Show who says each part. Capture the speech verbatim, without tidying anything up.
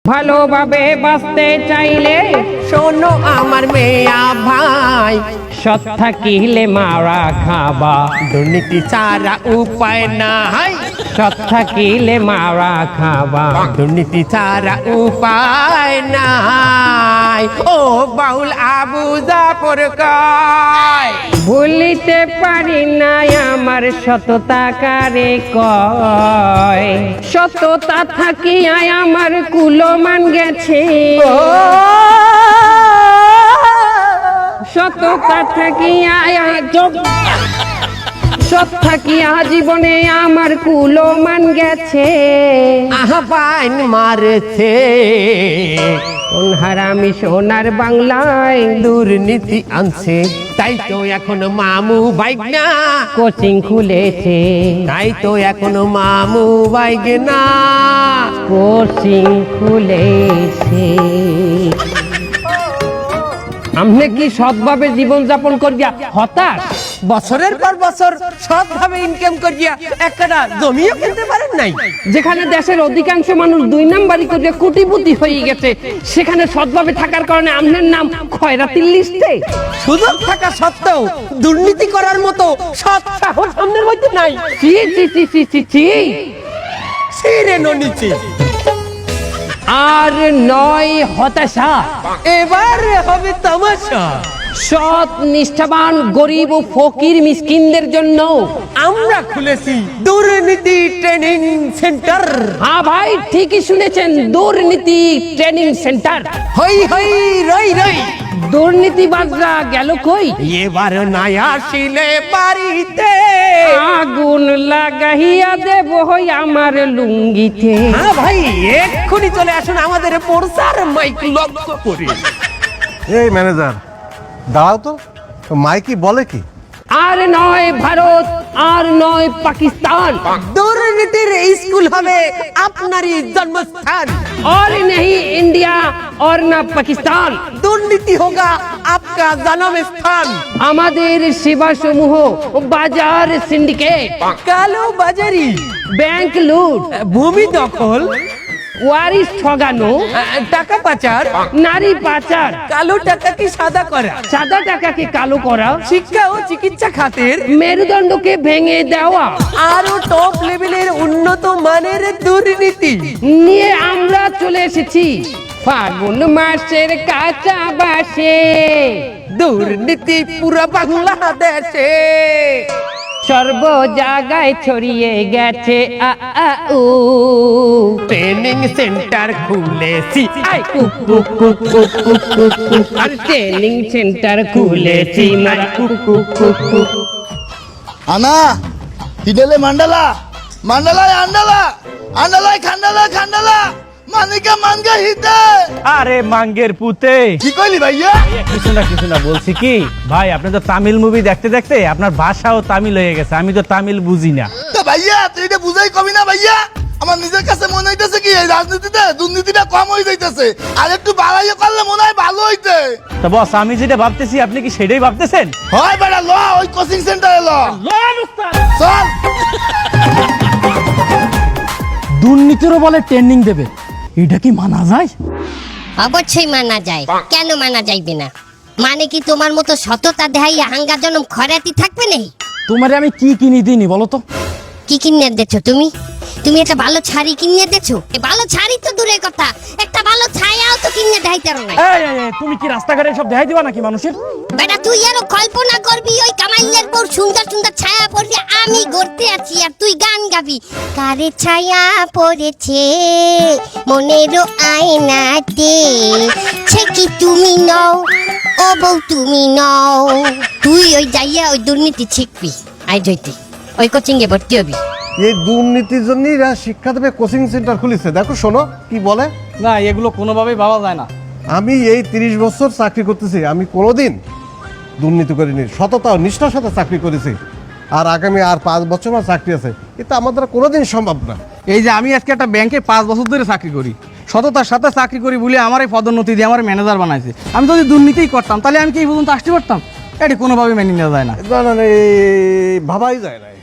Speaker 1: ভালোভাবে বাঁচতে চাইলে
Speaker 2: শোনো আমার মেয়া ভাই,
Speaker 1: সৎ থাকিলে মারা খাবা,
Speaker 2: দুর্নীতি ছাড়া উপায় নাই।
Speaker 1: সৎ থাকিলে মারা খাবা,
Speaker 2: দুর্নীতি ছাড়া উপায় নাই। ও বাউল আবু জাফর কয়,
Speaker 1: ভুলিতে পারি না আমার সততা কারে কয়, সততা থাকিয়া আমার কুলমান গেছে, সততা থাকিয়া সৎ থাকিয়া জীবনে আমার কুলমান গেছে,
Speaker 2: আহ্বান মারছে
Speaker 1: কোন হারামি সোনার বাংলায়
Speaker 2: দুর্নীতি আনছে। তাই তো এখন মামু বাইক না,
Speaker 1: কোচিং খুলেছে,
Speaker 2: তাই তো এখন মামু বাইক না,
Speaker 1: কোচিং খুলেছে। আপনি কি সৎভাবে জীবন যাপন করিয়া হতাশ?
Speaker 2: বছরের পর বছর সৎভাবে ইনকাম করিয়া একটা জমিও কিনতে পারেন নাই।
Speaker 1: যেখানে দেশের অধিকাংশ মানুষ দুই নাম্বারি করিয়া কোটিপতি হয়ে গেছে, সেখানে সৎভাবে থাকার কারণে আপনার নাম খয়রাতির লিস্টে।
Speaker 2: সুযোগ থাকা সত্ত্বেও দুর্নীতি করার মতো সৎ সাহস সামনের মধ্যে নাই।
Speaker 1: চি চি চি চি চি চি।
Speaker 2: ছিঁড়ে নিচে
Speaker 1: আর নয় হতাশা,
Speaker 2: এবার হবে তামাশা।
Speaker 1: সৎ নিষ্ঠাবান গরিব ও ফকির মিসকিনদের জন্য
Speaker 2: আমরা খুলেছি দুর্নীতি ট্রেনিং সেন্টার।
Speaker 1: হ্যাঁ ভাই, ঠিকই শুনেছেন, দুর্নীতি ট্রেনিং সেন্টার।
Speaker 2: হই হই রই রই,
Speaker 1: দুর্নীতিবাজরা গেল কই?
Speaker 2: এবার নাই আসিলে বাড়িতে
Speaker 1: আগুন লাগাইয়া দেব হই আমার লুঙ্গিতে।
Speaker 2: হ্যাঁ ভাই, এক্ষুনি চলে আসুন আমাদের পড়সার মাইক লক্ষ্য করে।
Speaker 3: এই ম্যানেজার দাঁড়াও তো, মাইকি বলে কি?
Speaker 1: আর নয় ভারত, আর নয় পাকিস্তান,
Speaker 2: দুর্নীতির স্কুল হবে আপনারই জন্মস্থান।
Speaker 1: और नहीं इंडिया और ना পাকিস্তান,
Speaker 2: দুর্নীতি হোগা আপকা জন্ম স্থান।
Speaker 1: আমাদের সেবা সমূহ বাজার সিন্ডিকেট,
Speaker 2: কালো বাজারি,
Speaker 1: ব্যাংক লুট,
Speaker 2: ভূমি দখল,
Speaker 1: ওয়ারিশ ঠগানো,
Speaker 2: টাকা পাচার,
Speaker 1: নারী পাচার,
Speaker 2: কালো টাকাকে সাদা করা,
Speaker 1: সাদা টাকাকে কালো করা,
Speaker 2: শিক্ষা ও চিকিৎসা খাতের
Speaker 1: মেরুদণ্ডকে ভেঙে দেওয়া
Speaker 2: আরো টপ লেভেলের উন্নত মানের দুর্নীতি
Speaker 1: নিয়ে আমরা চলে এসেছি ফাগুন মাসের কাঁচা বাসে।
Speaker 2: দুর্নীতি পুরো বাংলাদেশে
Speaker 1: সর্ব জায়গায় ছড়িয়ে গেছে আ আ উ,
Speaker 2: ট্রেনিং সেন্টার খুলেছি।
Speaker 1: আই কু কু কু কু কু কু কু, আর ট্রেনিং সেন্টার খুলেছি মারা কু কু কু কু।
Speaker 4: আনা হিডেলে মান্ডালা মান্ডালায় আন্ডালা আন্ডালায় খান্ডালা খান্ডালা মানিকা মানগা হিতে।
Speaker 5: আরে মাঙ্গের পুতে,
Speaker 4: কি কইলি ভাইয়া?
Speaker 5: কিছু না কিছু না, বলছি কি ভাই, আপনি তো তামিল মুভি দেখতে দেখতে আপনার ভাষাও তামিল হয়ে গেছে, আমি তো তামিল বুঝি না।
Speaker 4: তো ভাইয়া তুই এটা বুঝাই কবি না ভাইয়া? আমার নিজের কাছে মনে হইতেছে কি এই রাজনীতিতে দুর্নীতিটা কম হয়ে যাইতেছে, আর একটু বাড়াইয়া করলে মনে হয় ভালো হইতে।
Speaker 5: তো বস, আমি যেটা ভাবতেছি আপনি কি সেটাই ভাবতেছেন?
Speaker 4: হয় বেটা ল, ওই কোচিং সেন্টারে ল চল।
Speaker 6: দুর্নীতিরও বলে ট্রেনিং দেবে, এটা কি মানা যায়?
Speaker 7: অবশ্যই মানা যায়, কেন মানা যাইবে না? মানে কি তোমার মতো সততা দেখাইয়া হাঙ্গা জনম খরাতি থাকবে নেই?
Speaker 6: তোমারে আমি কি কিনি দিইনি বলো তো?
Speaker 7: কি কিনে দেছো তুমি? তুমি একটা ভালো শাড়ি কিনে দেছো? এ ভালো শাড়ি তো দূরের কথা, একটা ভালো ছায়াও তো কিনে দেখাইতে পারো না।
Speaker 6: এই, এই, এই, তুমি কি রাস্তাঘাটে সব দেখাই দিবা নাকি মানুষের?
Speaker 7: বেটা তুই আরো কল্পনা করবি ওই কামাইলের পর সুন্দর সুন্দর ছায়া পড়ছে, আমি গড়তে আছি আর তুই গান গাবি। কারে ছায়া পড়েছে মনেরও আয়নাতে, সে কি তুমি নও, ও বউ তুমি নও। তুই ওই যাইয়া ওই দুর্নীতি শিখবি, আই জয়তি ওই কোচিং এ ভর্তি হবি।
Speaker 3: এই দুর্নীতির জন্যই এরা শিক্ষা দেবে কোচিং সেন্টার খুলেছে। দেখো শোনো কি বলে।
Speaker 6: না, এগুলো কোনোভাবেই ভাবা যায় না।
Speaker 3: আমি এই তিরিশ বছর চাকরি করতেছি, আমি কোনোদিন দুর্নীতি করিনি, সততা ও নিষ্ঠার সাথে চাকরি করেছি। আর আগামী আর পাঁচ বছর আমার চাকরি আছে, এটা আমার দ্বারা কোনোদিন সম্ভব না।
Speaker 6: এই যে আমি আজকে একটা ব্যাংকে পাঁচ বছর ধরে চাকরি করি, সততার সাথে চাকরি করি বলে আমার এই পদোন্নতি দিয়ে আমার ম্যানেজার বানাইছে। আমি যদি দুর্নীতিই করতাম তাহলে আমি কি এই পর্যন্ত আসতে পারতাম? এটা কোনোভাবে মেনে নেওয়া যায় না।
Speaker 3: না না না, এই ভাবাই যায় না।